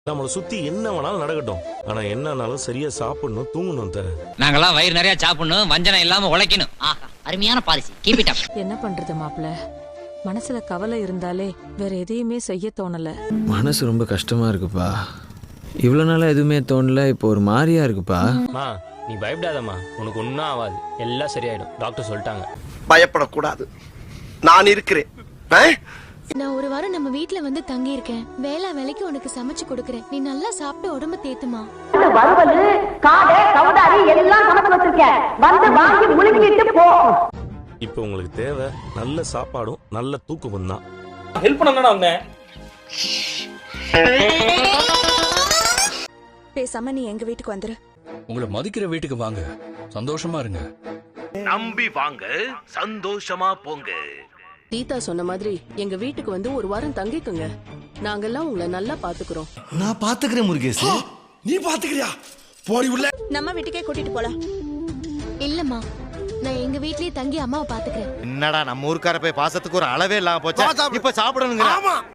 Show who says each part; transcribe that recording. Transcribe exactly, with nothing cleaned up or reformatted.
Speaker 1: நம்மளை சுத்தி என்ன வேணாலும் நடக்கட்டும், ஆனா என்னன்னாலும் சரியா சாப்பிடணும், தூங்கணும். தர
Speaker 2: நாங்கெல்லாம் வயிறு நிறைய சாப்பிடணும், வஞ்சனம் இல்லாம உழைக்கணும்.
Speaker 3: ஆஹா, அருமையான பாலிசி. Keep it up.
Speaker 4: என்ன பண்றது மாப்ள, மனசுல கவலை இருந்தாலே வேற எதையுமே செய்ய தோணல.
Speaker 5: மனசு ரொம்ப கஷ்டமா இருக்குப்பா. இவ்வளவு நாளா எதுவுமே தோணல, இப்போ ஒரு மாதிரியா இருக்குப்பா.
Speaker 6: மா நீ பயப்படாதம்மா, உனக்கு ஒன்றும் ஆகாது, எல்லாம் சரியாயிடும், டாக்டர் சொல்லிட்டாங்க.
Speaker 7: பயப்படக்கூடாது, நான் இருக்கிறேன்.
Speaker 8: நான் ஒரு வாரம் நம்ம வீட்ல வந்து தங்கி இருக்கேன். வேளா வேலைக்கு உனக்கு சமைச்சு கொடுக்கறேன். நீ நல்லா சாப்பிட்டு உடம்ப தேத்துமா.
Speaker 9: வறுவல் காடை கவுதாரி எல்லாம் சமைச்சு வச்சிருக்கேன், வந்து வாங்கி முழுங்கிட்டு போ.
Speaker 1: இப்ப உங்களுக்கு தேவை நல்ல சாப்பாடும் நல்ல தூக்கமும் தான்.
Speaker 6: ஹெல்ப் பண்ணா அவங்க.
Speaker 4: பேசாம நீ எங்க வீட்டுக்கு வந்துரு.
Speaker 10: உங்களை மதிக்கிற வீட்டுக்கு வாங்க, சந்தோஷமா இருங்க.
Speaker 7: நம்பி வாங்க, சந்தோஷமா போங்க.
Speaker 11: சீதா சொன்ன மாதிரி எங்க வீட்டுக்கு வந்து ஒரு வாரம் தங்கிக்குங்க. நாங்கெல்லாம் உங்களை நல்லா பாத்துக்கிறோம்.
Speaker 12: நான் பாத்துக்கிறேன் முருகேஷ். நீ பாத்துக்கிறியா? போடி உள்ள.
Speaker 4: நம்ம வீட்டுக்கே கூட்டிட்டு போலாம்.
Speaker 8: இல்லம்மா, நான் எங்க வீட்லயே தங்கி அம்மாவை பாத்துக்கிறேன்.
Speaker 12: என்னடா நம்ம ஊர்க்கார போய் பாசத்துக்கு ஒரு அளவே இல்லாம போச்சா? இப்ப சாப்பிடணுங்க.